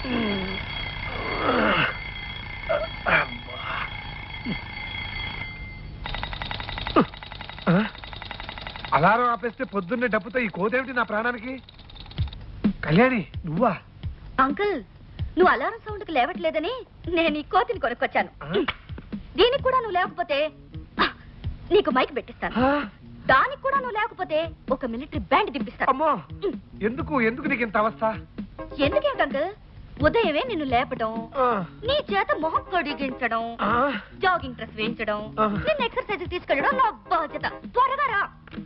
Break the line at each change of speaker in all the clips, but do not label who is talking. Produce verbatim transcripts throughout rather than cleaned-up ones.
Alarm ఆపేస్తే పొద్దున్నే డబ్బుతో ఈ కోదేమిటి నా ప్రాణానికి? కళ్యాణి నువ్వా?
అంకుల్, నువ్వు అలారం సౌండ్ కి లేవట్లేదని నేను ఈ కోతిని కొనుక్కొచ్చాను. దీనికి కూడా నువ్వు లేకపోతే నీకు మైక్ పెట్టిస్తాను. దానికి కూడా నువ్వు లేకపోతే ఒక మిలిటరీ బ్యాండ్ దింపిస్తాను.
అమ్మో, ఎందుకు ఎందుకు నీకు ఇంత అవస్థ?
ఎందుకేంటి అంకుల్, ఉదయమే నిన్ను లేపడం, నీ చేత మొహం కడిగించడం, జాగింగ్ డ్రెస్ వేయించడం, నిన్ను ఎక్సర్సైజ్ తీసుకెళ్ళడం నా బాధ్యత. త్వరగా రా.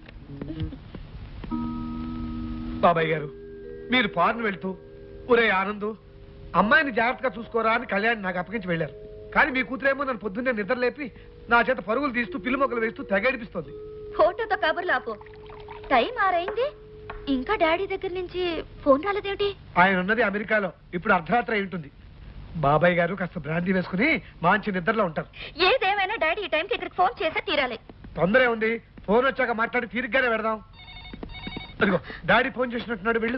బాబాయ్ గారు, మీరు ఫారెన్ వెళ్తూ ఒరే ఆనందు అమ్మాయిని జాగ్రత్తగా చూసుకోరా అని కళ్యాణ్ నాకు అప్పగించి వెళ్ళారు. కానీ మీ కూతురేమో నన్ను పొద్దున్నే నిద్ర లేపి నా చేత పరుగులు తీస్తూ పిల్లి మొక్కలు వేస్తూ తెగడిపిస్తోంది.
ఫోటోతో కబుర్లు ఆపు. టైం ఆరైంది, ఇంకా డాడీ దగ్గర నుంచి ఫోన్ రాలేదేమిటి?
ఆయన ఉన్నది అమెరికాలో, ఇప్పుడు అర్ధరాత్రి అయి ఉంటుంది. బాబాయ్ గారు కాస్త బ్రాంతి వేసుకుని మంచి నిద్రలో ఉంటారు.
ఏదేమైనా డాడీ ఈ టైంకి ఇక్కడికి ఫోన్ చేసే తీరాలి.
తొందరే ఉంది, ఫోన్ వచ్చాక మాట్లాడి తీరిగ్గానే పెడదాం. అదిగో డాడీ ఫోన్ చేసినట్టున్నాడు, వెళ్ళు.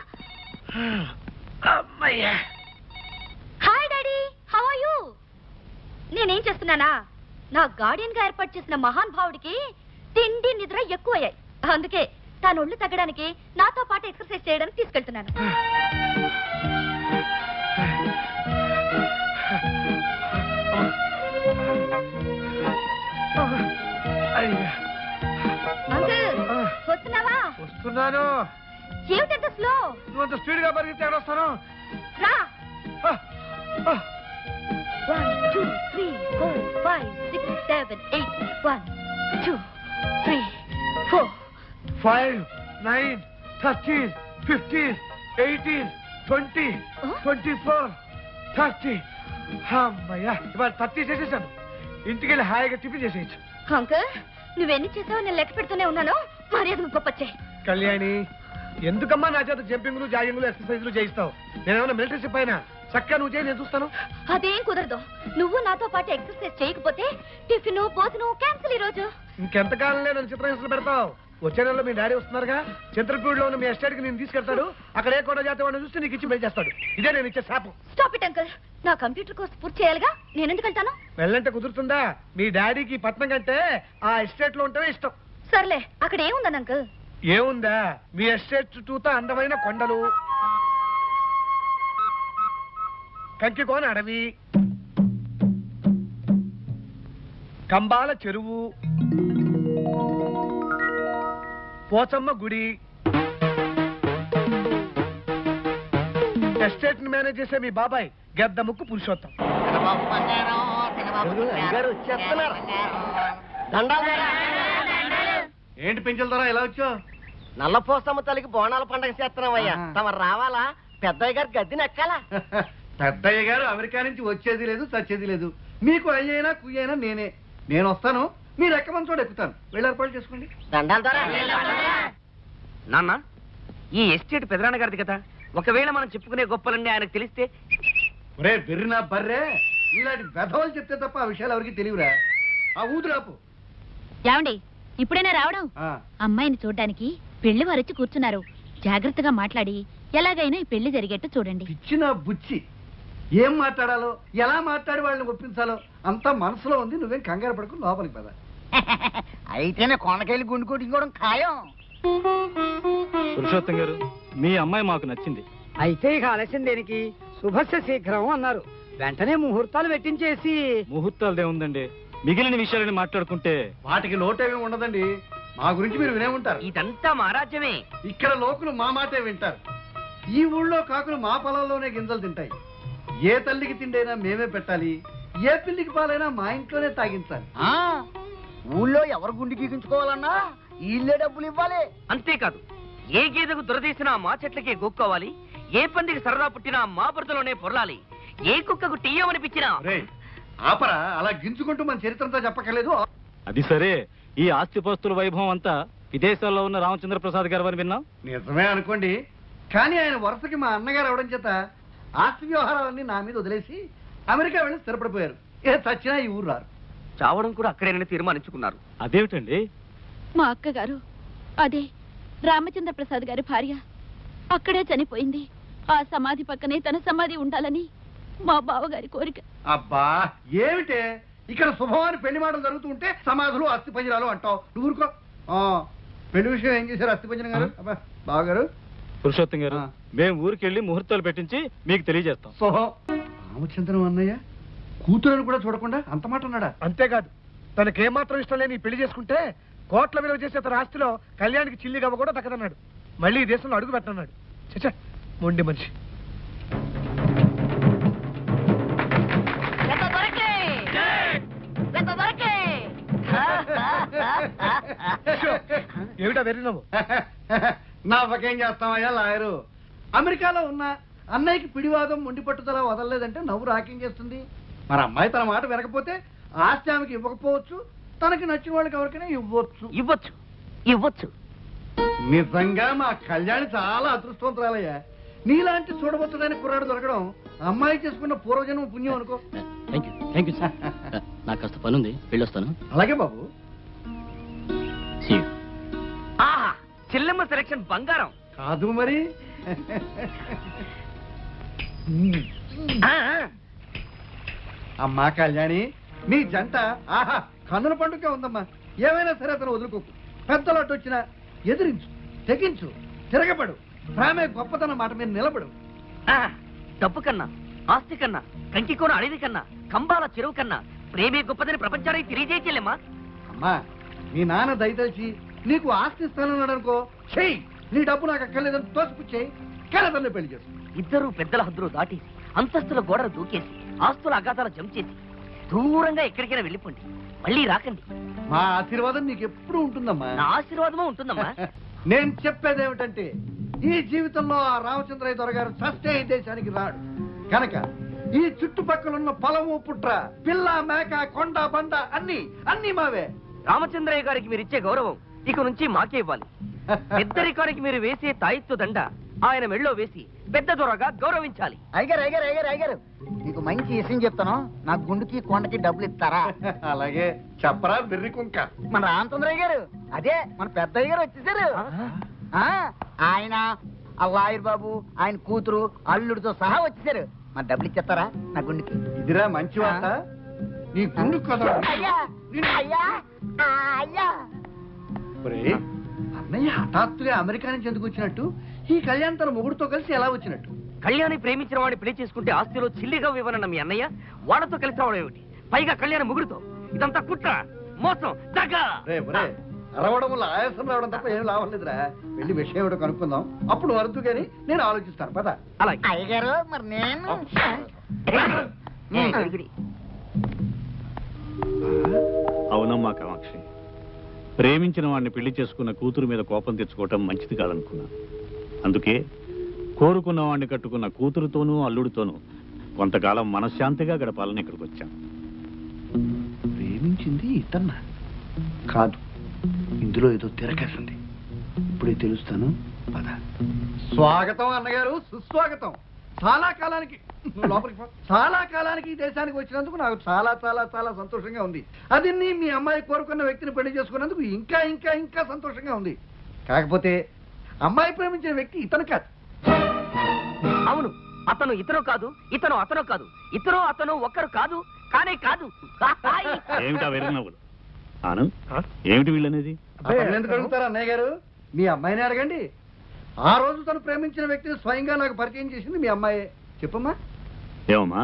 Hi daddy, how are you? నేనేం చేస్తున్నానా, నా గార్డియన్ గా ఏర్పాటు చేసిన మహాన్ భావుడికి తిండి నిద్ర ఎక్కువయ్యాయి. అందుకే తాను ఒళ్ళు తగ్గడానికి నాతో పాటు ఎక్సర్సైజ్ చేయడానికి తీసుకెళ్తున్నాను. అంకుల్, వస్తున్నావా?
వస్తున్నాను.
ఏమిటంత స్లో?
నువ్వు అంత స్పీడ్ గా పరిగెత్తి వస్తాను.
రా. One two three four five six seven eight one two three four
five nine thirteen fifteen eighteen twenty twenty four thirty. అమ్మయ్యా, ఇవాళ థర్టీ చేసేసాను. ఇంటికి వెళ్ళి హాయిగా టిఫిన్ చేసేయచ్చు.
అంకుల్, నువ్వెన్ని చేసావో నేను లెక్క పెడుతూనే ఉన్నాను. మర్యాద గొప్పచ్చే.
కళ్యాణి, ఎందుకమ్మా నా చేత జంపింగ్లు జాగింగ్లు ఎక్సర్సైజ్లు చేయిస్తావు? నేనేమన్నా మిలిటరీ షిప్ అయినా? చక్కగా నువ్వు చేయి, నేను చూస్తాను.
అదేం కుదరదు. నువ్వు నాతో పాటు ఎక్సర్సైజ్ చేయకపోతే టిఫిన్ భోజనం క్యాన్సిల్ ఈ రోజు.
ఇంకెంతకాలంలో నన్ను చిత్రహింసలు పెడతావు? వచ్చే నెలలో మీ డాడీ వస్తున్నారుగా, చిత్రపూడిలో ఉన్న మీ ఎస్టేట్ కి నేను తీసుకెళ్తాడు. అక్కడ ఏ కూడా జాతి వాడిని చూస్తే నీకు ఇచ్చి పెళ్లి చేస్తాడు. ఇదే నేను ఇచ్చే శాపం.
స్టాప్ ఇట్ అంకుల్, నా కంప్యూటర్ కోర్స్ పూర్తి చేయాలిగా, నేను ఎందుకు వెళ్తాను?
వెళ్ళంటే కుదురుతుందా? మీ డాడీకి పట్నం కంటే ఆ ఎస్టేట్ లో ఉంటేనే ఇష్టం.
సర్లే, అక్కడ ఏముందని అంకుల్?
ఏముందా, మీ ఎస్టేట్ చుట్టూతా అందమైన కొండలు, కంకికోన అడవి, కంబాల చెరువు, పోచమ్మ గుడి. ఎస్టేట్ ని మేనేజ్ చేసే మీ బాబాయ్ గెద్ద ముక్కు పురుషోత్తం. ఏంటి పెంచుల ద్వారా ఎలా వచ్చావు?
నల్లపోసమ్మ తల్లికి బోనాల పండగ చేస్తున్నావయ్యా, తమరు రావాలా? పెద్దయ్య గారు గద్దెని ఎక్కాలా?
పెద్దయ్య గారు అమెరికా నుంచి వచ్చేది లేదు, చచ్చేది లేదు. మీకు అయ్యైనా కుయ్యైనా నేనే. నేను వస్తాను, మీరు ఎక్కమని చోట ఎక్కుతాను. వెళ్ళి ఏర్పాటు చేసుకోండి.
దండాల ద్వారా
నాన్న, ఈ ఎస్టేట్ పెదనాన్న గారిది కదా, ఒకవేళ మనం చెప్పుకునే గొప్పలన్నీ ఆయనకు తెలిస్తే?
ఒరే బెర్రినా బర్రే, ఇలాంటి వెధవలు చెప్తే తప్ప ఆ విషయాలు ఎవరికి తెలియరా? ఆ ఊదురాపు.
ఏమండి, ఇప్పుడైనా రావడం? అమ్మాయిని చూడ్డానికి పెళ్లి వారొచ్చి కూర్చున్నారు. జాగ్రత్తగా మాట్లాడి ఎలాగైనా ఈ పెళ్లి జరిగేట్టు చూడండి.
ఇచ్చిన బుచ్చి, ఏం మాట్లాడాలో ఎలా మాట్లాడి వాళ్ళని ఒప్పించాలో అంతా మనసులో ఉంది. నువ్వేం కంగారు పడుకు, లోపలికి పద.
అయితేనే కొండకెళ్ళి గుండు కొట్టుకోవడం ఖాయం.
పురుషోత్తం గారు, మీ అమ్మాయి మాకు నచ్చింది.
అయితే ఇక ఆలస్యం దేనికి? శుభస్య శీఘ్రం అన్నారు. వెంటనే ముహూర్తాలు పెట్టించేసి.
ముహూర్తాలదే ఉందండి, మిగిలిన విషయాలని మాట్లాడుకుంటే.
వాటికి లోటేమీ ఉండదండి. మా గురించి మీరు వినే ఉంటారు.
ఇదంతా మా రాజ్యమే.
ఇక్కడ లోకులు మా మాటే వింటారు. ఈ ఊళ్ళో కాకులు మా పొలంలోనే గింజలు తింటాయి. ఏ తల్లికి తిండైనా మేమే పెట్టాలి, ఏ పిల్లికి పాలైనా మా ఇంట్లోనే తాగించాలి.
ఊళ్ళో ఎవరు గుండు గీకించుకోవాలన్నా వీళ్ళే డబ్బులు ఇవ్వాలి.
అంతేకాదు, ఏ గేదెకు దురదీసినా మా చెట్లకే గోక్కోవాలి, ఏ పందికి సరదా పుట్టినా మా బురదలోనే పొరలాలి, ఏ కుక్కకు టీయమనిపించినా.
ఆపరా, అలా గింజుకుంటూ మన చరిత్రంతో చెప్పక్కర్లేదు.
అది సరే, ఈ ఆస్తిపాస్తుల వైభవం అంతా విదేశాల్లో ఉన్న రామచంద్ర ప్రసాద్ గారు అని విన్నాం.
నిజమే అనుకోండి, కానీ ఆయన వరుసకి మా అన్నగారు అవడం చేత ఆస్తి వ్యవహారాలన్నీ నా మీద వదిలేసి అమెరికా వెళ్ళి స్థిరపడిపోయారు. ఏ చచ్చినా ఈ ఊరు రారు.
చావడం కూడా అక్కడేనని తీర్మానించుకున్నారు.
అదేమిటండి?
మా అక్కగారు, అదే రామచంద్ర ప్రసాద్ గారి భార్య, అక్కడే చనిపోయింది. ఆ సమాధి పక్కనే తన సమాధి ఉండాలని మా బావగారి కోరిక.
అబ్బా ఏమిటే ఇక్కడ శుభవాని పెళ్లి మాటలు జరుగుతూ ఉంటే సమాధులు అస్థి పంజరాలు అంటావు నువ్వు ఊరుకో. ఆ, పెళ్లి విషయం ఏం చేశారు అస్థి పంజరం గారు? అబ్బా బావగారు
పురుషోత్తం గారు, మేము ఊరికెళ్ళి ముహూర్తాలు పెట్టించి మీకు తెలియజేస్తాం.
శుభం. రామచంద్రం అన్నయ్య కూతురని కూడా చూడకుండా అంత మాట అన్నాడా?
అంతేకాదు, తనకేమాత్రం ఇష్టం లేని ఈ పెళ్లి చేసుకుంటే కోట్ల విలువ చేసే తన ఆస్తిలో కళ్యాణికి చిల్లి గవ్వ కూడా దక్కదన్నాడు. మళ్ళీ ఈ దేశంలో అడుగు పెట్టన్నాడు. చచ్చా మొండి మనిషి. ఏమిటా వెర్రి నవ్వు?
నాకేం చేస్తామయ్యా లాయరు. అమెరికాలో ఉన్న అన్నయ్యకి పిడివాదం మొండి పట్టుదల వదలలేదంటే నవ్వు రాకేం చేస్తుంది? మరి అమ్మాయి తన మాట వినకపోతే ఆస్తి ఆమెకి ఇవ్వకపోవచ్చు, తనకి నచ్చిన వాళ్ళకి ఎవరికైనా ఇవ్వచ్చు.
ఇవ్వచ్చు ఇవ్వచ్చు
నిజంగా మా కళ్యాణి చాలా అదృష్టవంతురాలయ్యా. నీలాంటి చూడబోతుడైన కుర్రాడు దొరకడం అమ్మాయి చేసుకున్న పూర్వజన్మ పుణ్యం అనుకో.
Thank you thank you sir. నాకు కాస్త పని ఉంది, వెళ్ళొస్తాను.
అలాగే బాబు.
ఆహా చెల్లెమ్మ సెలక్షన్ బంగారం
కాదు మరి.
ఆ,
అమ్మా కళ్యాణి, నీ జంట ఆహా కన్నుల పండుగ ఉందమ్మా. ఏమైనా సరే అతను వదులుకోకు. పెద్దలాట వచ్చినా ఎదిరించు, తెగించు, తిరగబడు. ప్రేమే గొప్పతనం మాట మీద నిలబడు.
ఆ, డబ్బు కన్నా, ఆస్తి కన్నా, కంకికోన అడవి కన్నా, కంబాల చెరువు కన్నా ప్రేమే గొప్పదని ప్రపంచానికి తెలియజేయలేమ్మా.
అమ్మా మీ నాన్న దయతలిచి నీకు ఆస్తి ఇస్తానన్నాడు అనుకో, చెయ్యి. నీ డబ్బు నాకు అక్కర్లేదని తోసిపుచ్చేయి. కలతల్ని పెళ్లి చేసు.
ఇద్దరు పెద్దల హద్దులు దాటేసి అంతస్తుల గోడలు దూకేసి ఆస్తుల అగాధాలు జంప్ చేసి దూరంగా ఎక్కడికైనా వెళ్ళిపోండి, మళ్ళీ రాకండి.
మా ఆశీర్వాదం నీకు ఎప్పుడు ఉంటుందమ్మా.
నా ఆశీర్వాదమో ఉంటుందమ్మా.
నేను చెప్పేది ఏమిటంటే ఈ జీవితంలో ఆ రామచంద్రయ్య దొరగారు చస్తే ఈ దేశానికి రాడు కనుక ఈ చుట్టుపక్కల పొలము పుట్ర పిల్ల మేక కొండ బండ అన్ని అన్ని మావే.
రామచంద్రయ్య గారికి మీరు ఇచ్చే గౌరవం ఇక నుంచి మాకే ఇవ్వాలి. పెద్దరికానికి మీరు వేసే తాయిత్తు దండ ఆయన మెళ్ళో వేసి పెద్ద దొరగా గౌరవించాలి.
అయ్యారు అయ్యారు అయ్యారు అయ్యారు నీకు మంచి విషయం చెప్తాను. నా గుండుకి కొండకి డబ్బులు ఇస్తారా?
అలాగే చెప్పరా బిర్రి కుంక.
మన రామచంద్రయ్య గారు అదే మన పెద్దయ్య గారు వచ్చేసారు. ఆ, ఆయన అల్లాయర్ బాబు ఆయన కూతురు అల్లుడితో సహా వచ్చేసారు. మన డబ్బులు ఇచ్చేస్తారా నా గుండుకి?
ఇదిరా మంచి వార్త. నీ గుండు కదా
అయ్యా అయ్యా అయ్యా.
ఒరేయ్, అన్నయ్య హఠాత్తుగా అమెరికా నుంచి ఎందుకు వచ్చినట్టు? ఈ కళ్యాణ్ తన మొగుడుతో కలిసి ఎలా వచ్చినట్టు?
కళ్యాణి ప్రేమించిన వాడిని పెళ్లి చేసుకుంటే ఆస్తిలో చిల్లిగా ఇవ్వనన్న మీ అన్నయ్య వాడతో కలిసి రావడం ఏమిటి? పైగా కళ్యాణ ముగుడుతో. ఇదంతా కుట్ర, మోసం, దగ్గ.
రే ఒరే, అరవడం వల్ల ఆయాసం రావడం తప్ప ఏం లాభం లేదురా. వెళ్ళి విషయం ఏమిటో కనుక్కుందాం, అప్పుడు వరదు కానీ నేను ఆలోచిస్తాను. పద.
అలాగే.
అయ్యగారు మరి నేను
అవునమ్మా కామాక్షి, ప్రేమించిన వాడిని పెళ్లి చేసుకున్న కూతురు మీద కోపం తెచ్చుకోవటం మంచిది కాదనుకున్నా. అందుకే కోరుకున్న వాడిని కట్టుకున్న కూతురుతోనూ అల్లుడితోనూ కొంతకాలం మనశ్శాంతిగా గడపాలని ఇక్కడికి వచ్చాం.
ప్రేమించింది ఇతన్న కాదు, ఇందులో ఏదో తిరగేసింది. ఇప్పుడే తెలుస్తాను. పద. స్వాగతం అన్నగారు, సుస్వాగతం. చాలా కాలానికి లోపలికి పో. చాలా కాలానికి ఈ దేశానికి వచ్చినందుకు నాకు చాలా చాలా చాలా సంతోషంగా ఉంది. అది నీ మీ అమ్మాయి కోరుకున్న వ్యక్తిని పెళ్లి చేసుకున్నందుకు ఇంకా ఇంకా ఇంకా సంతోషంగా ఉంది. కాకపోతే అమ్మాయి ప్రేమించిన వ్యక్తి ఇతను కాదు.
అవును, అతను ఇతను కాదు, ఇతను అతను కాదు, ఇతను అతను ఒక్కరు కాదు, కానే కాదు.
ఏమిటా వెరిగినవ్వులు? ఆనంద్, ఏమిటి వీళ్ళనేది?
అతను ఎందుకు అడుగుతారు అన్నయ్య గారు? మీ అమ్మాయిని అడగండి. ఆ రోజు తను ప్రేమించిన వ్యక్తిని స్వయంగా నాకు పరిచయం చేసింది మీ అమ్మాయే. చెప్పమ్మా.
ఏమమ్మా?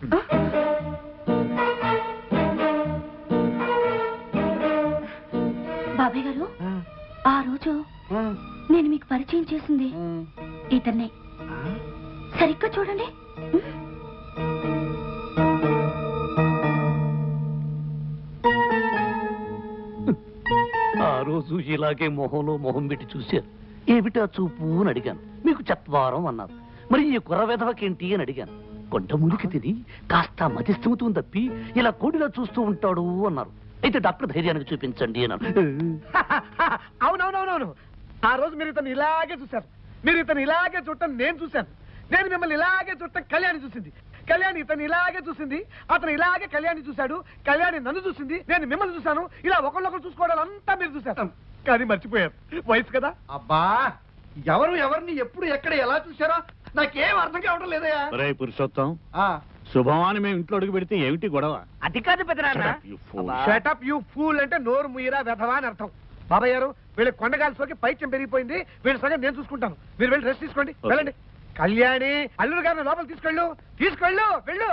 బాబాయ్ గారు, ఆ రోజు నేను మీకు పరిచయం చేసింది ఇతన్నే. సరిగ్గా చూడండి.
ఆ రోజు ఇలాగే మొహంలో మొహం పెట్టి చూశారు. ఏమిటా చూపు అని అడిగాను. మీకు చత్వారం అన్నారు. మరి ఈ కుర్ర వెధవకేంటి అని అడిగాను. కొండముడికి తిని కాస్త మతిస్థిమితం తప్పి ఇలా కోడిలా చూస్తూ ఉంటాడు అన్నారు. అయితే డాక్టర్ ధైర్యానికి చూపించండి అన్నారు.
అవునవునవునవును, ఆ రోజు మీరు ఇతను ఇలాగే చూశారు. మీరు ఇతను ఇలాగే చూడటం నేను చూశాను. నేను మిమ్మల్ని ఇలాగే చూడటం కళ్యాణి చూసింది. కళ్యాణి ఇతను ఇలాగే చూసింది. అతను ఇలాగే కళ్యాణి చూశాడు. కళ్యాణి నన్ను చూసింది, నేను మిమ్మల్ని చూశాను. ఇలా ఒకళ్ళొకరు చూసుకోవడం అంతా మీరు చూశారు. కానీ మర్చిపోయారు, వయసు కదా.
అబ్బా ఎవరు ఎవరిని ఎప్పుడు ఎక్కడ ఎలా చూశారో నాకేం అర్థం కావడం లేదయ్యా.
ఒరే పురుషోత్తం,
ఆ,
శుభమాని మేము ఇంట్లో అడుగు పెడితే ఏమిటి గొడవ?
అది కాదు పెద్దనాన్న.
Shut up, you fool.
Shut up you fool అంటే నోరు ముయ్యరా వెధవా అని అర్థం. బాబాయ్ గారు వీళ్ళ కొండగాల్సిలోకి పైత్యం పెరిగిపోయింది, వీళ్ళ సంగతి నేను చూసుకుంటాను. మీరు వెళ్ళి రెస్ట్ తీసుకోండి,
Okay.
వెళ్ళండి. కళ్యాణి అల్లుడు గారిని లోపల తీసుకెళ్ళు, తీసుకెళ్ళు, వెళ్ళు.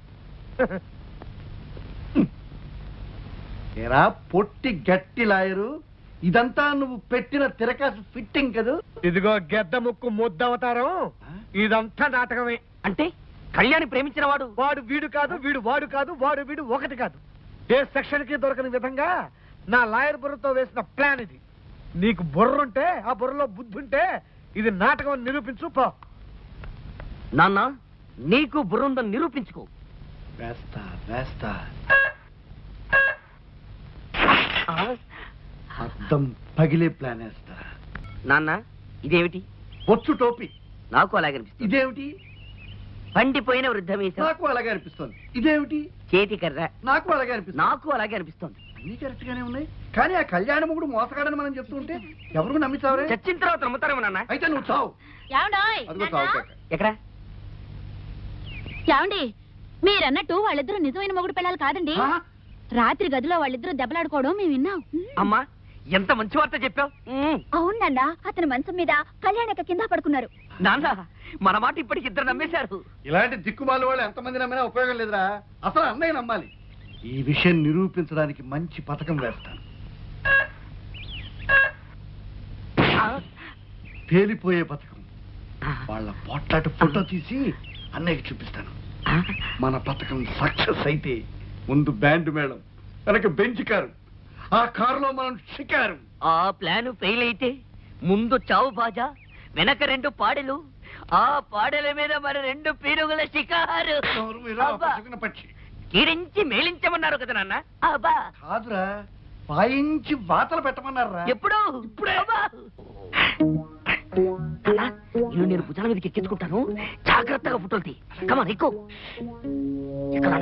ఏరా పొట్టి గట్టి లాయరు, ఇదంతా నువ్వు పెట్టిన తిరకాసు ఫిట్టింగ్ కదూ?
ఇదిగో గెద్ద ముక్కు ముద్దవతారం, ఇదంతా నాటకమే.
అంటే కళ్యాణి ప్రేమించిన వాడు
వాడు వీడు కాదు, వీడు వాడు కాదు, వాడు వీడు ఒకటి కాదు. ఏ సెక్షన్ కి దొరకని విధంగా నా లాయర్ బుర్రతో వేసిన ప్లాన్ ఇది. నీకు బుర్ర ఉంటే, ఆ బుర్రలో బుద్ధి ఉంటే ఇది నాటకం అని నిరూపించు పో.
నాన్న నీకు బుర్రుందని నిరూపించుకో.
వేస్తా వేస్తా అర్థం పగిలే ప్లాన్ వేస్తా.
నాన్న ఇదేమిటి?
బొచ్చు టోపీ.
నాకు అలాగే అనిపిస్తుంది.
ఇదేమిటి?
పండిపోయిన వృద్ధమీసం.
నాకు అలాగే అనిపిస్తుంది. ఇదేమిటి?
చేతి కర్ర.
నాకు అలాగే అనిపిస్తుంది.
నాకు అలాగే అనిపిస్తుంది.
అన్ని కరెక్ట్ గానే ఉన్నాయి, కానీ ఆ కళ్యాణ ముగుడు మోసగాడని మనం చెప్తూ ఉంటే ఎవరు నమ్మిస్తావరే?
చచ్చిన తర్వాత నమ్ముతారేమో నాన్న.
అయితే నువ్వు చావు. అదిగో చావు కాక.
ఎక్కడ?
ఏమండి, మీరన్నట్టు వాళ్ళిద్దరూ నిజమైన మొగుడు పిల్లలు కాదండి.
ఆ?
రాత్రి గదిలో వాళ్ళిద్దరూ దెబ్బలాడుకోవడం మేము విన్నాం.
అమ్మా ఎంత మంచి వార్త చెప్పావు.
అవునన్నా, అతని మంచం మీద కళ్యాణక కింద పడుకున్నారు.
నాన్న మన మాట ఇప్పటికి ఇద్దరు నమ్మేశారు.
ఇలాంటి దిక్కుమాల వాళ్ళు ఎంతమంది నమ్మినా ఉపయోగం లేదురా. అసలు అన్నయ్య నమ్మాలి. ఈ విషయం నిరూపించడానికి మంచి పథకం వేస్తాను. పేలిపోయే పథకం. వాళ్ళ పొట్లాట ఫోటో తీసి అన్నయ్యకి చూపిస్తాను. మన పథకం సక్సెస్ అయితే ముందు బ్యాండ్ మేళం, వెనక బెంచ్ కారు, ఆ కారులో మనం షికారు.
ఆ ప్లాన్ ఫెయిల్ అయితే ముందు చావు బాజా, వెనక రెండు పాడెలు, ఆ పాడెల మీద మరి రెండు పీరుగుల షికారు.
ఎవరు మీరు?
అబ్బా.
అపశకున పక్షి.
కీరించి మేలించమన్నారు కదా నాన్న. అబ్బా
కాదురా, పాయించి వాతలు పెట్టమన్నారా?
ఎప్పుడు? ఇప్పుడే. ఇల్లు నేను భుజాల మీదకి ఎక్కించుకుంటాను, జాగ్రత్తగా ఫోటోలు తీ. కమాన్ ఎక్కువ ఎక్కడ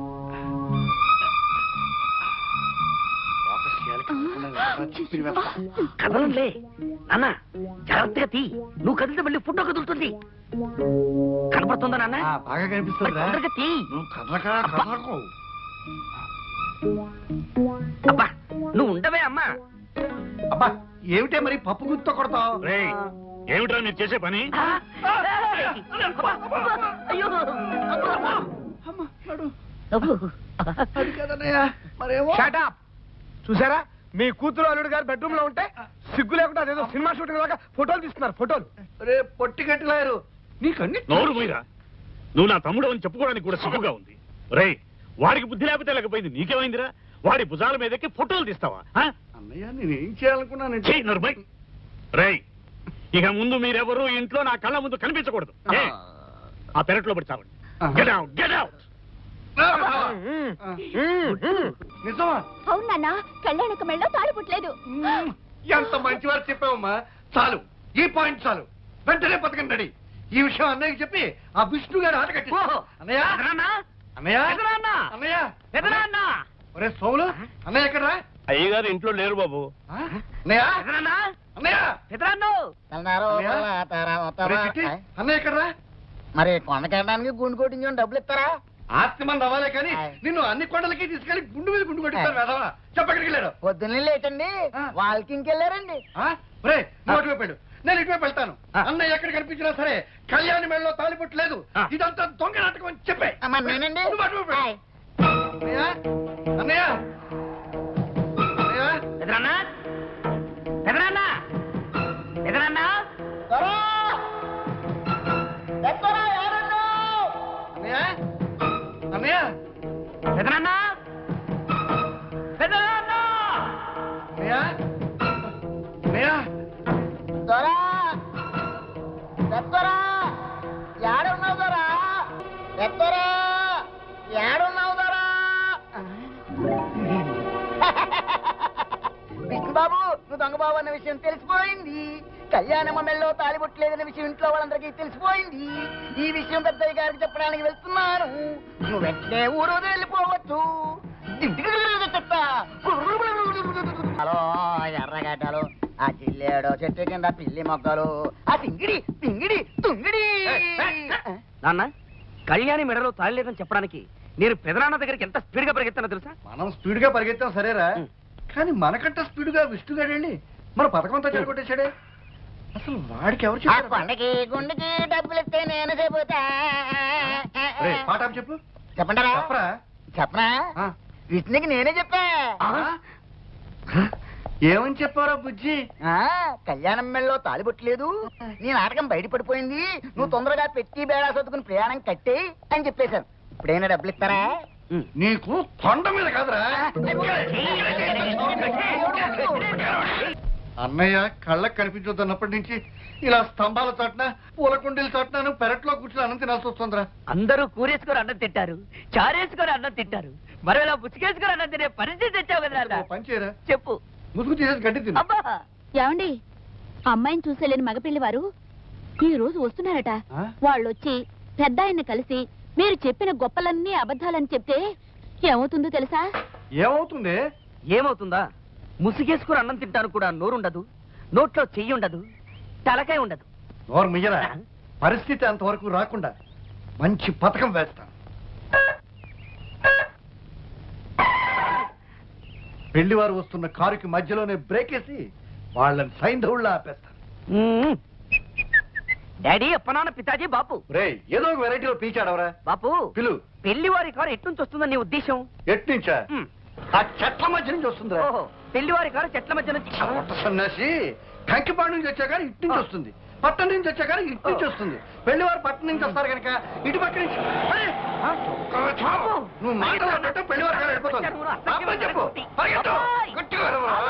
కదలంలే నాన్న, జాగ్రత్తగా తీ. నువ్వు కదిలితే మళ్ళీ ఫోటో కదులుతుంది. కనపడుతుందా నాన్న?
ఆ, బాగా కనిపిస్తుందిరా.
తొందరగా తీ.
నువ్వు కదలకా కదలకు.
అబ్బా నువ్వు ఉండవే అమ్మా.
అబ్బా ఏమిటే మరి పప్పు గుర్తు కొడతావు?
రేయ్, ఏమిట్రా మీరు చేసే పని?
ఆ, ఏయ్, అబ్బా, అబ్బా, అయ్యో అబ్బా.
అమ్మ, నడు.
అబ్బో.
అది కదన్నయ్య, మరేమో.
Shut up. చూసారా, మీ కూతురు అల్లుడు గారు బెడ్రూమ్ లో ఉంటే సిగ్గు లేకుండా అదేదో సినిమా షూటింగ్ లాగా ఫోటోలు తీస్తున్నారు. ఫోటోలు
రే పొట్టి గట్టిలాయరు, నీకన్ని
నోరు మీరా, నువ్వు నా తమ్ముడు అని చెప్పుకోవడానికి కూడా సిగ్గుగా ఉంది. రేయ్, వాడికి బుద్ధి లేకపోతే లేకపోయింది, నీకేమైందిరా? వాడి భుజాల మీదకి ఫోటోలు తీస్తావా? ఆ?
అన్నయ్య నేనేం చేయాలనుకున్నానంటే.
చెయ్యి నరుమై. రేయ్, ఇక ముందు మీరెవరూ ఇంట్లో నా కళ్ళ ముందు కనిపించకూడదు. ఏ, ఆ పెరట్లో పడి చావండి. Get out, get out.
నిజమా?
అవునన్నా, కళ్యాణక మెళ్ళో తాళి పుట్టలేదు.
మ్మ్. ఎంత మంచి వారు చెప్పావమ్మా. చాలు, ఈ పాయింట్ చాలు. వెంటనే పథకం రెడీ. ఈ విషయం అన్నయ్యకి చెప్పి ఆ విష్ణు గారు ఆట కట్టి.
ఓహో.
అన్నయ్య,
ఎదురాన్నా?
అన్నయ్య,
ఎదురాన్నా?
అన్నయ్య,
ఎదురాన్నా?
ఒరే సోములు, అన్నయ్య ఎక్కడరా?
అయ్యగారు ఇంట్లో లేరు బాబు.
ఆ? అన్నయ్య,
ఎదురాన్నా?
అన్నయ్య,
ఎదురాన్నో?
ఒరే చిట్టి, అన్నయ్య ఎక్కడరా?
మరి కొండకెళ్ళడానికి గుండు కొట్టించుకొని డబ్బులు ఇస్తారా?
ఆస్తి మంది అవ్వాలే కానీ నిన్ను అన్ని కొండలకి తీసుకెళ్లి గుండు మీద గుండు కొట్టిస్తారు వెధవా. చెప్పక్కడికి వెళ్ళాడు.
పొద్దున్నే లేటండి,
ఆ.
వాకింగ్కి వెళ్ళారండి.
రే నువ్వు అటువైపు వెళ్ళు, నేను ఇటువైపు వెళ్తాను. అన్నయ్య ఎక్కడ కనిపించినా సరే కళ్యాణి మెడలో తాలిపొట్టు లేదు, ఇదంతా దొంగ నాటకం అని చెప్పే.
అమ్మ, నేనండి.
నువ్వు అటువైపు వెళ్ళు.
హాయ్.
అన్నయ్య, అన్నయ్య, అన్నయ్య,
ఎదురాన్నా? ఎదురాన్నా? ఎదురాన్నా?
త్వరా! ఎత్తరా, ఎవరున్నారు?
అన్నయ్య, అన్నయ్య,
ఎదురాన్నా? ఎదురాన్నా?
అన్నయ్య, అన్నయ్య,
త్వరా! ఎత్తరా! ఏడున్నావు దొరా? ఎత్తరా! ఏడున్నావు దొరా? విష్ణుబాబు, నువ్వు దొంగబాబు అన్న విషయం తెలిసిపోయింది. కళ్యాణమ్మ మెళ్ళో తాలిబొట్టలేదన్న విషయం ఇంట్లో వాళ్ళందరికీ తెలిసిపోయింది. ఈ విషయం పెద్దయ్య గారికి చెప్పడానికి వెళ్తున్నాను. నువ్వు వెంటనే ఊరు వదిలి వెళ్ళిపోవచ్చు. హలో ఎర్రగడ్డలు, ఆ జిల్లేడో చెట్టు కింద పిల్లి మొక్కలు ఆ సింగిడి పింగిడి తుంగిడి
నాన్న కళ్యాణి మెడలో తాళి లేదని చెప్పడానికి నేను పెదనాన్న దగ్గరికి ఎంత స్పీడ్ గా పరిగెత్తానో తెలుసా?
మనం స్పీడ్ గా పరిగెత్తాం సరేరా,
ఉం.
కానీ మనకంటే స్పీడ్ గా విష్ణుగాడండి మన పథకం అంతా చెడగొట్టేశాడే. అసలు వాడికి ఎవరు
ఆ
చెప్పారు?
కొండకి గుండెకి డబ్బులు ఇస్తే నేను చెబుతా
రేయ్, పాట ఆపు చెప్పు.
చెప్పంటారా
చెప్పరా?
చెప్పనా
ఆ.
విష్ణుకి నేనే చెప్పా
ఆ? ఏమని చెప్పారా బుజ్జి?
ఆ కళ్యాణం మెళ్ళలో తాలిబొట్టలేదు నీ నాటకం బయటపడిపోయింది, నువ్వు తొందరగా పెట్టి బేడా సర్దుకుని ప్రయాణం కట్టే అని చెప్పేశాను. ఇప్పుడైనా డబ్బులు ఇస్తారా?
నీకు కొండ మీద కాదురా. అన్నయ్య కళ్ళకు కనిపించొద్దన్నప్పటి నుంచి ఇలా స్తంభాల చాటున పూల కుండీల చాటున పెరట్లో కూర్చుని అన్నం తినాల్సి వస్తుందిరా.
అందరూ కూరేసుకొని అన్నం తింటారు, చారేసుకొని అన్నం తింటారు, మరి ఇలా పుచ్చుకేసుకొని అన్నం తినే పరిస్థితి తెచ్చావు కదా నాన్న.
ఓ పని చేయరా,
చెప్పు.
ముసుగు తీసేసి గడ్డి తిను.
అబ్బా
ఏమండి అమ్మాయిని చూసేలేని మగపిల్లి వారు ఈ రోజు వస్తున్నారట.
ఆ?
వాళ్ళు వచ్చి పెద్ద ఆయన్ని కలిసి మీరు చెప్పిన గొప్పలన్నీ అబద్ధాలని చెప్తే ఏమవుతుందో తెలుసా?
ఏమవుతుంది?
ఏమవుతుందా? ముసుగేసుకుని అన్నం తింటాను కూడా నోరుండదు, నోట్లో చెయ్యి ఉండదు, తలకాయ ఉండదు.
నోరు మియ్యరా, పరిస్థితి అంతవరకు రాకుండా మంచి పథకం వేస్తాను. పెళ్లి వారు వస్తున్న కారుకి మధ్యలోనే బ్రేక్ వేసి వాళ్ళని సైంధవుళ్ళ ఆపేస్తాను.
మ్మ్. డాడీ అప్పనాన్న పితాజీ బాపు.
రే ఏదో ఒక వెరైటీలో పీచాడవరా.
బాపు
పిలు.
పెళ్లి వారి కారు ఎట్నుంచి వస్తుందని నీ ఉద్దేశం?
ఎట్నుంచా?
మ్మ్.
ఆ చెట్ల మధ్య నుంచి వస్తుందిరా.
ఓహో, పెళ్లి వారి కారు చెట్ల మధ్య నుంచి.
పొట్ట సన్నాసి కంకిపాడు నుంచి వచ్చా కానీ ఇటు నుంచి వస్తుంది, పట్టణం నుంచి వచ్చా కానీ ఇటు నుంచి వస్తుంది. పెళ్లి వారు పట్టణం నుంచి వస్తారు కనుక ఇటు పక్క నుంచి. అరే, నువ్వు మాట్లాడుతుంటే పెళ్లి వారు వెళ్ళిపోతాను చెప్పు. పరిగెత్తు. గట్టిగా అరవరా.